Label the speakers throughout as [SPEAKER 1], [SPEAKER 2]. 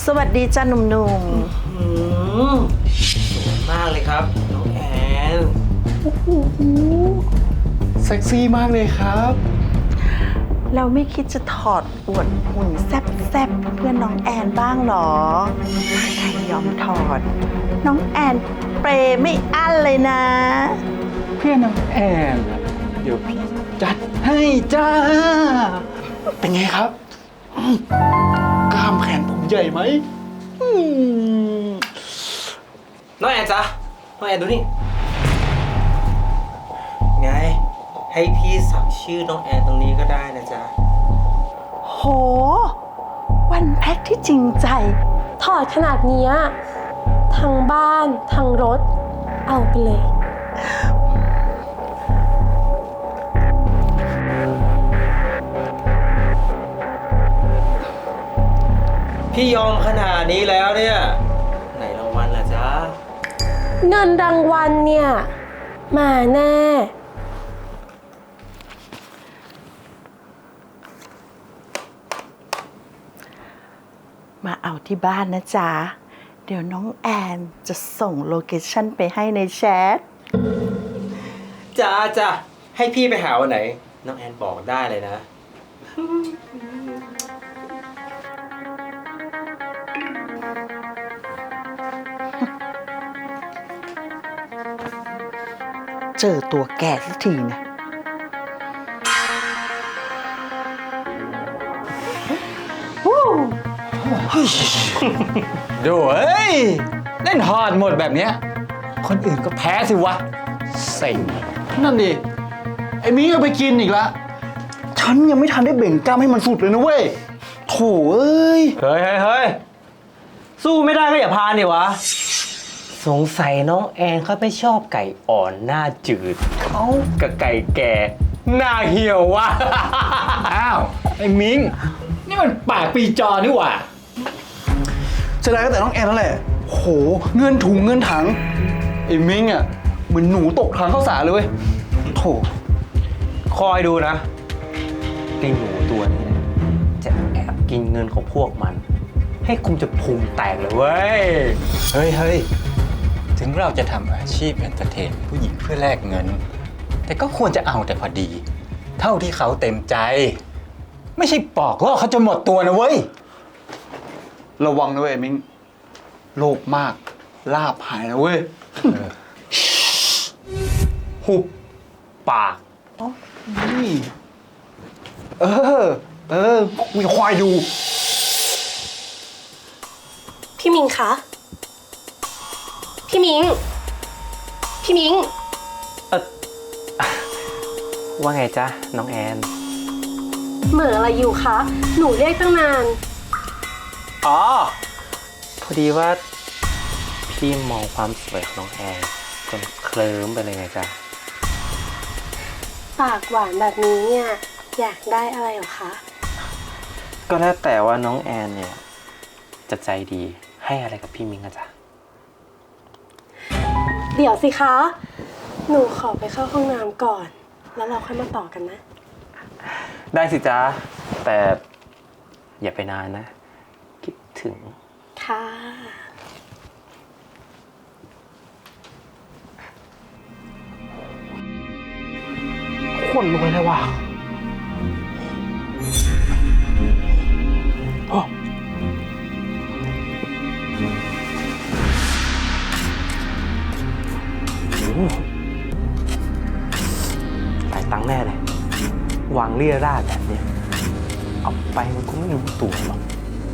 [SPEAKER 1] สวัสดีจ้าหนุ่ม
[SPEAKER 2] สวยมากเลยครับน้องแอน
[SPEAKER 3] เซ็กซี่มากเลยครับ
[SPEAKER 1] ๆเราไม่คิดจะถอดอวดหุ่นแซ่บๆเพื่อนน้องแอนบ้างหรอถ้าใครยอมถอด น้องแอนเปรย์ไม่อั้นเลยนะ
[SPEAKER 3] เพื่อนน้องแอนอะเดี๋ยวพี่จัดให้จ้า เป็นไงครับกล้ามแขนผมใหญ่ไหม
[SPEAKER 2] น้องแอนจ๊ะน้องแอนดูนี่ไงให้พี่สักชื่อน้องแอนตรงนี้ก็ได้นะจ๊ะ
[SPEAKER 1] โห วันแพ็คที่จริงใจ
[SPEAKER 4] ถอดขนาดเนี้ยทั้งบ้านทั้งรถ เอาไปเลย
[SPEAKER 2] พี่ยอมขนาดนี้แล้วเนี่ยไหนรางวัลล่ะจ๊ะ
[SPEAKER 4] เงินรางวัลเนี่ย มาแน่
[SPEAKER 1] มาเอาที่บ้านนะจ๊ะ เดี๋ยวน้องแอนจะส่งโลเคชั่นไปให้ในแชท
[SPEAKER 2] จ้าให้พี่ไปหาวันไหน น้องแอนบอกได้เลยนะ
[SPEAKER 1] เจอตัวแก่สักทีนะ
[SPEAKER 3] ดูเฮ้ยเล่นฮอดหมดแบบเนี้ยคนอื่นก็แพ้สิวะเซ็งนั่นดิ ไอ้มิ้งเอาไปกินอีกละฉันยังไม่ทันได้เบ่งกล้ามให้มันสุดเลยนะเว้ยโถเอ้ย
[SPEAKER 2] เฮ้ยสู้ไม่ได้ก็อย่าพานดิวะ สงสัยน้องแอนเขาไม่ชอบไก่อ่อนหน้าจืดเขากับไก่แก่หน้าเหี่ยววะ
[SPEAKER 3] อ้าว ไอ้มิ้งนี่มันปากปีจอนี่หว่าเสียดายก็แต่น้องแอนนั่นแหละโหเงินถุงเงินถังไอ้มิ้งอ่ะเหมือนหนูตกถังข้าวสารเลยเว้ยโถ
[SPEAKER 2] คอยดูนะไอ้หนูตัวนี้นะจะแอบกินเงินของพวกมัน ให้คุมจะพุงแตกเลยเว้ย
[SPEAKER 5] เฮ้ย ถึงเราจะทำอาชีพเอนเตอร์เทนผู้หญิงเพื่อแลกเงิน แต่ก็ควรจะเอาแต่พอดี เท่าที่เขาเต็มใจ ไม่ใช่ปอกล่อเขาจนหมดตัวนะเว้ย
[SPEAKER 3] ระวังนะเว้ยไอ้มิ้งโลภมากลาบหายนะเว้ย
[SPEAKER 2] หุบปาก
[SPEAKER 3] นี่เออกูจะควายดู
[SPEAKER 4] พี่มิงคะ พี่มิง
[SPEAKER 2] ว่าไงจ๊ะ น้องแอน
[SPEAKER 4] เหม่ออะไรอยู่คะ หนูเรียกตั้งนาน
[SPEAKER 2] อ๋อ พอดีว่าพี่มองความสวยของน้องแอนจนเคลิ้มไปเลยไงจ๊ะ
[SPEAKER 4] ปากหวานแบบนี้เนี่ย อยากได้อะไรเหรอคะ
[SPEAKER 2] ก็แล้วแต่ว่าน้องแอนเนี่ย จะใจดีให้อะไรกับพี่มิงอะจ๊ะ
[SPEAKER 4] เดี๋ยวสิคะ หนูขอไปเข้าห้องน้ำก่อน แล้วเราค่อยมาต่อกันนะ
[SPEAKER 2] ได้สิจ๊ะ แต่อย่าไปนานนะ คิดถึง
[SPEAKER 4] ค่ะ
[SPEAKER 3] คนรวยเลยว่ะโอ้โห
[SPEAKER 2] หลายตังค์แน่เลย วางเรี่ยราดแบบเนี้ยเอาไปมันคงไม่รู้ตัวหรอก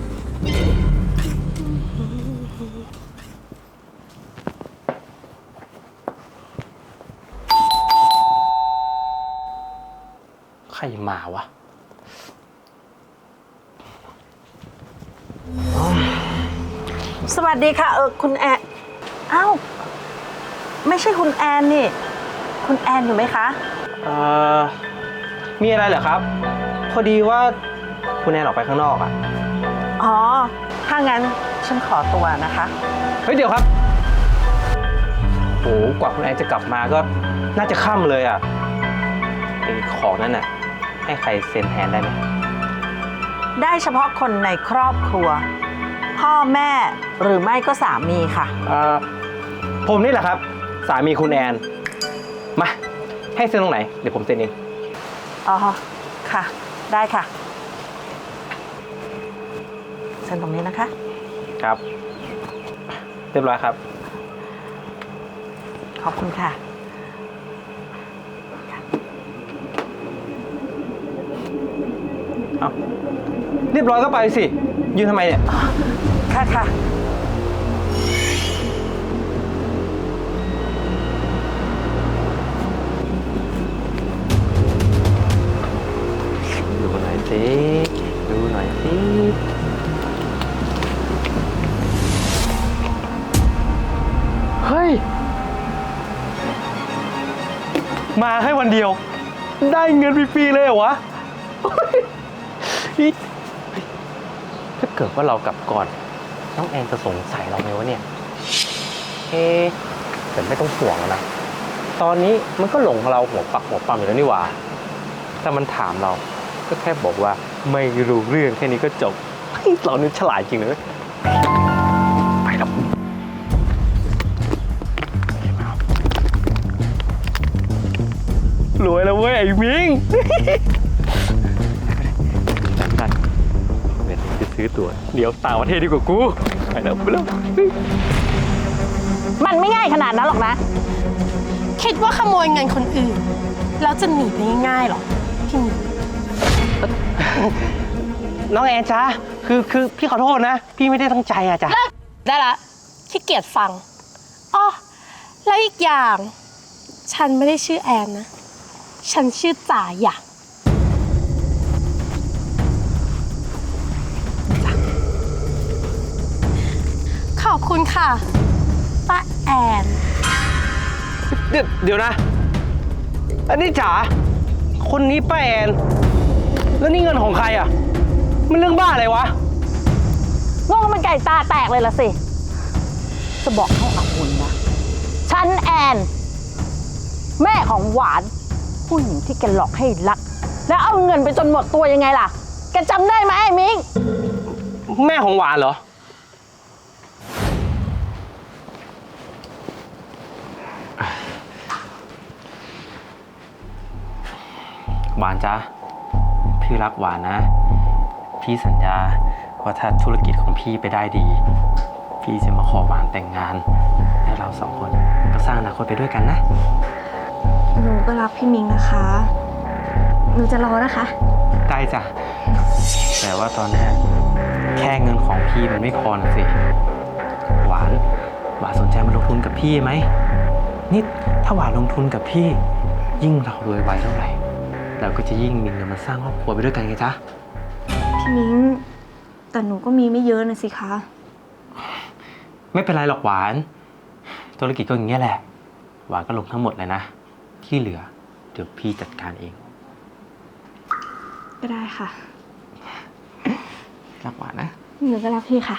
[SPEAKER 2] ใครมาวะ
[SPEAKER 1] สวัสดีค่ะคุณแอนอ้าวไม่ใช่คุณแอนนี่ คุณแอนอยู่ไหมคะ
[SPEAKER 2] มีอะไรเหรอครับ พอดีว่าคุณแอนออกไปข้างนอกอ่ะ
[SPEAKER 1] อ๋อ ถ้างั้นฉันขอตัวนะคะ
[SPEAKER 2] เฮ้ยเดี๋ยวครับโหกว่าคุณแอนจะกลับมาก็น่าจะค่ำเลยอ่ะไอ้ของนั้นน่ะ ให้ใครเซ็นแทนได้ไหม
[SPEAKER 1] ได้เฉพาะคนในครอบครัว พพ่อแม่หรือไม่ก็สามีค่ะ
[SPEAKER 2] ผมนี่แหละครับ สามีคุณแอน มา ให้เซ็นตรงไหน เดี๋ยวผมเซ็นเอง
[SPEAKER 1] อ๋อ ค่ะ ได้ค่ะเซ็นตรงนี้นะคะ
[SPEAKER 2] ครับ เรียบร้อยครับ
[SPEAKER 1] ขอบคุณค่ะ
[SPEAKER 2] เอาเรียบร้อยก็ไปสิ ยืนทำไมเนี่ย
[SPEAKER 1] ค่ะค่ะ
[SPEAKER 2] ดูหน่อยสิ ดูหน่อยสิ เฮ้ย มาให้วันเดียว ได้เงินฟรีๆเลยเหรอวะเฮ้ยถ้าเกิดว่าเรากลับก่อน น้องแอนจะสงสัยเราไหมวะเนี่ย แต่ไม่ต้องห่วงนะ ตอนนี้มันก็หลงเราหัวปักหัวปั๊มอยู่แล้วนี่หว่า ถ้ามันถามเราก็แค่บอกว่าไม่รู้เรื่องแค่นี้ก็จบเฮ้ยเรานี่ฉลาดจริงเลยไปครับรวยแล้วเว้ยไอ้มิงกันเดี๋ยวจะซื้อตั๋วเดี๋ยวต่างประเทศดีกว่ากูไปแล้วไปแล้ว
[SPEAKER 1] มันไม่ง่ายขนาดนั้นหรอกนะ
[SPEAKER 4] คิดว่าขโมยเงินคนอื่น แล้วจะหนีไปง่ายๆหรอ พี่มิ้ง
[SPEAKER 2] น้องแอนจ้าคือพี่ขอโทษนะ พี่ไม่ได้ตั้งใจอะจ้ะ
[SPEAKER 4] ได้ละขี้เกียจฟังอ้อแล้วอีกอย่าง ฉันไม่ได้ชื่อแอนนะ ฉันชื่อจ่าหยางขอบคุณค่ะป้าแอน
[SPEAKER 2] เดี๋ยวนะ อันนี้จ๋าคนนี้ป้าแอน แล้วนี่เงินของใครอะมันเรื่องบ้าอะไรวะ
[SPEAKER 1] โง่มันไก่ตาแตกเลยละสิ จะบอกให้อาวุธนะ ฉันแอน แม่ของหวาน ผู้หญิงที่แกหลอกให้รัก แล้วเอาเงินไปจนหมดตัวยังไงล่ะ แกจำได้ไหมไอ้มิง
[SPEAKER 2] แม่ของหวานเหรอ หวานจ้าพี่รักหวานนะ พี่สัญญาว่าถ้าธุรกิจของพี่ไปได้ดี พี่จะมาขอหวานแต่งงาน และเราสองคนก็สร้างอนาคตไปด้วยกันนะ
[SPEAKER 6] หนูก็รักพี่มิงนะคะ หนูจะรอนะคะ
[SPEAKER 2] ได้จ้ะ แต่ว่าตอนนี้แค่เงินของพี่มันไม่พอนะสิ หวานสนใจมาลงทุนกับพี่ไหมนี่ถ้าหวานลงทุนกับพี่ ยิ่งเรารวยไวเท่าไหร่เราก็จะยิ่งมีเงินมาสร้างครอบครัวไปด้วยกันไงจ๊ะ
[SPEAKER 6] พี่มิง แต่หนูก็มีไม่เยอะนะสิคะ
[SPEAKER 2] ไม่เป็นไรหรอกหวาน ธุรกิจก็อย่างเงี้ยแหละ หวานก็ลงทั้งหมดเลยนะ ที่เหลือเดี๋ยวพี่จัดการเอง
[SPEAKER 6] ก็ได้ค่ะ
[SPEAKER 2] รักหวานนะ
[SPEAKER 6] หนูก็รักพี่ค่ะ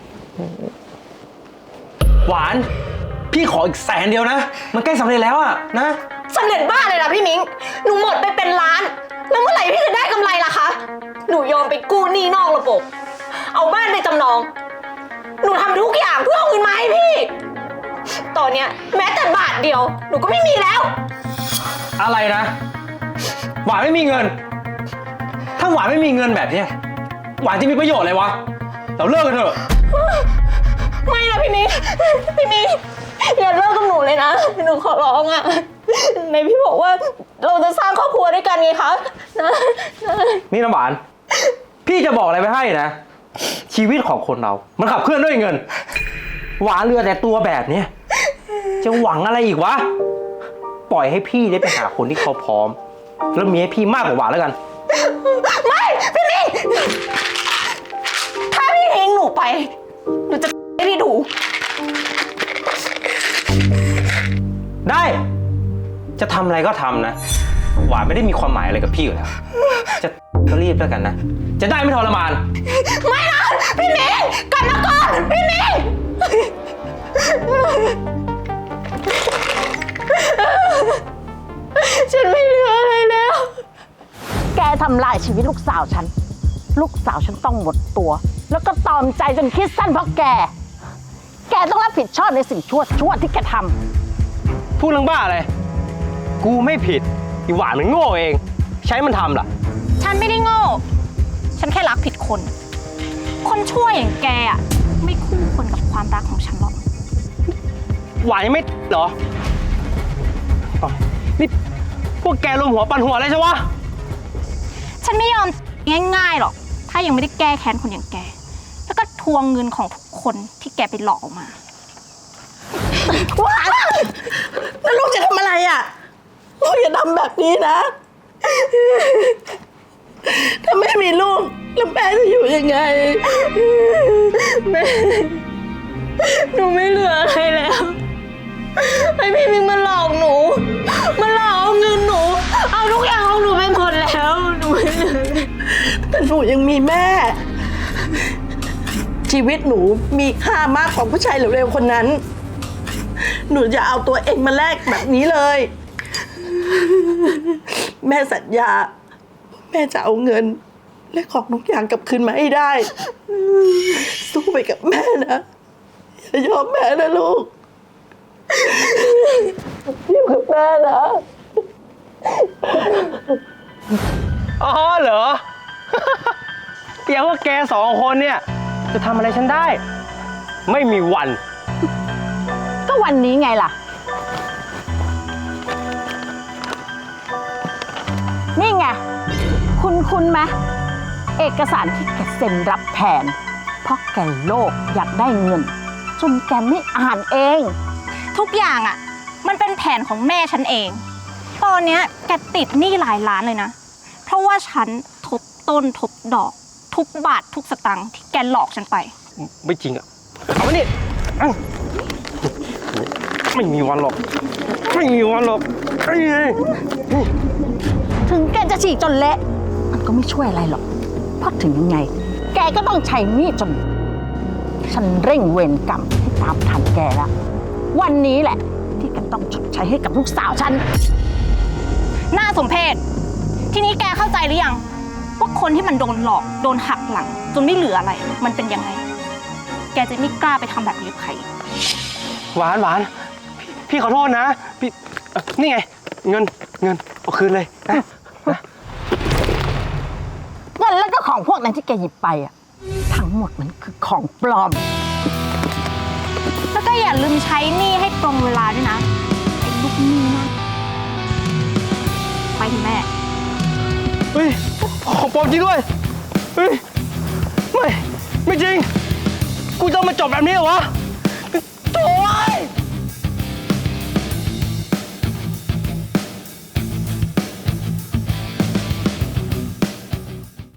[SPEAKER 2] หวาน พี่ขออีก100,000เดียวนะ มันใกล้สำเร็จแล้วอะนะ
[SPEAKER 4] สำเร็จบ้าเลยนะพี่มิง หนูหมดไปเป็นล้าน แล้วเมื่อไหร่พี่จะได้กำไรล่ะคะ หนูยอมไปกู้หนี้นอกระบบ เอาบ้านไปจำนอง หนูทำทุกอย่างเพื่อเอาเงินมาให้พี่ ตอนเนี้ยแม้แต่บาทเดียว หนูก็ไม่มีแล้ว
[SPEAKER 2] อะไรนะ หวานไม่มีเงิน ถ้าหวานไม่มีเงินแบบเนี้ยหวานจะมีประโยชน์อะไรวะ เราเลิกกันเถอะ
[SPEAKER 4] ไม่นะพี่มิง พี่มิงอย่าเลิกกับหนูเลยนะ หนูขอร้องอะในพี่บอกว่าเราจะสร้างครอบครัวด้วยกันไงคะนะ
[SPEAKER 2] นี่น้ำหวาน พี่จะบอกอะไรไปให้นะ ชีวิตของคนเรา มันขับเคลื่อนด้วยเงิน หวานเรือแต่ตัวแบบเนี้ยจะหวังอะไรอีกวะ ปล่อยให้พี่ได้ไปหาคนที่เขาพร้อม แล้วมีให้พี่มากกว่าหวานแล้วกัน
[SPEAKER 4] ไม่พี่มิงถ้าพี่ทิ้งหนูไป หนูจะให้พี่ดู
[SPEAKER 2] ได้ จะทำอะไรก็ทำนะ หวานไม่ได้มีความหมายอะไรกับพี่อยู่แล้ว จะก็รีบแล้วกันนะ จะได้ไม่ทรมาน
[SPEAKER 4] ไม่นะพี่มิงกลับมาก่อนพี่มิง ฉันไม่เหลืออะไรแล้ว
[SPEAKER 1] แกทำลายชีวิตลูกสาวฉัน ลูกสาวฉันต้องหมดตัวแล้วก็ตอมใจจนคิดสั้นเพราะแก แกต้องรับผิดชอบในสิ่งชั่วที่แกทำ
[SPEAKER 2] พูดเรื่องบ้าอะไร กูไม่ผิดอีหวานมันโง่เอง ใช้มันทำล่ะ
[SPEAKER 4] ฉันไม่ได้โง่ ฉันแค่รักผิดคน คนชั่วอย่างแกอ่ะ ไม่คู่ควรกับความรักของฉันหรอก
[SPEAKER 2] หวานยังไม่เหรออ๋อนี่พวกแกรวมหัวปั่นหัวอะไรใช่วะ
[SPEAKER 4] ฉันไม่ยอมง่ายๆหรอก ถ้ายังไม่ได้แก้แค้นคนอย่างแก แล้วก็ทวงเงินของทุกคนที่แกไปหลอกออกมา
[SPEAKER 7] หวานแล้วลูกจะทำอะไรอ่ะ ลูกอย่าทำแบบนี้นะ ถ้าไม่มีลูกแล้วแม่จะอยู่ยังไง แม่ หนูไม่เหลืออะไรแล้วไอ้พี่มิงมันหลอกหนู มันหลอกเอาเงินหนู เอาทุกอย่างของหนูไปหมดแล้ว หนูไม่เหลือแต่หนูยังมีแม่ ชีวิตหนูมีค่ามากกว่าผู้ชายเร็วๆคนนั้น หนูจะเอาตัวเองมาแลกแบบนี้เลย แม่สัญญา แม่จะเอาเงิน และของทุกอย่างกลับคืนมาให้ได้ สู้ไปกับแม่นะอย่ายอมแม่นะลูกอยู่กับแม่นะ
[SPEAKER 2] อ๋อเหรอ เดี๋ยวว่าแกสองคนเนี่ยจะทำอะไรฉันได้ ไม่มีวัน
[SPEAKER 1] ก็วันนี้ไงล่ะ นี่ไง คุณไหมเอกสารที่แกเซ็นรับแทน เพราะแกโลภอยากได้เงิน จนแกไม่อ่านเอง
[SPEAKER 4] ทุกอย่างอ่ะ มันเป็นแผนของแม่ฉันเอง ตอนเนี้ยแกติดหนี้หลายล้านเลยนะ เพราะว่าฉันทบต้นทบดอก ทุกบาททุกสตางค์ที่แกหลอกฉันไป
[SPEAKER 2] ไม่จริงอ่ะ เอามานี่อื้อไม่มีวันหรอก ไม่มีวันหรอกเอ้ย
[SPEAKER 1] ถึงแกจะฉีกจนเละ มันก็ไม่ช่วยอะไรหรอก เพราะถึงยังไง แกก็ต้องใช้หนี้จน ฉันเร่งเวรกรรมให้ตามทันแกแล้ว วันนี้แหละ ที่แกต้องชดใช้ให้กับลูกสาวฉัน
[SPEAKER 4] น่าสมเพช ทีนี้แกเข้าใจหรือยัง ว่าคนที่มันโดนหลอกโดนหักหลัง จนไม่เหลืออะไร มันเป็นยังไง แกจะไม่กล้าไปทำแบบนี้กับใคร
[SPEAKER 2] หวานหวานพี่ขอโทษนะ พี่นี่ไง เงินเอาคืนเลยนะ
[SPEAKER 1] เงินแล้วก็ของพวกนั้นที่แกหยิบไปอ่ะ ทั้งหมดมันคือของปลอม
[SPEAKER 4] แล้วก็อย่าลืมใช้หนี้ให้ตรงเวลาด้วยนะไอ้ลูกหนี้นะไปถึงแม่
[SPEAKER 2] เฮ้ย ของปลอมจริงด้วย เฮ้ย ไม่จริง กูจะมาจบแบบนี้เหรอวะ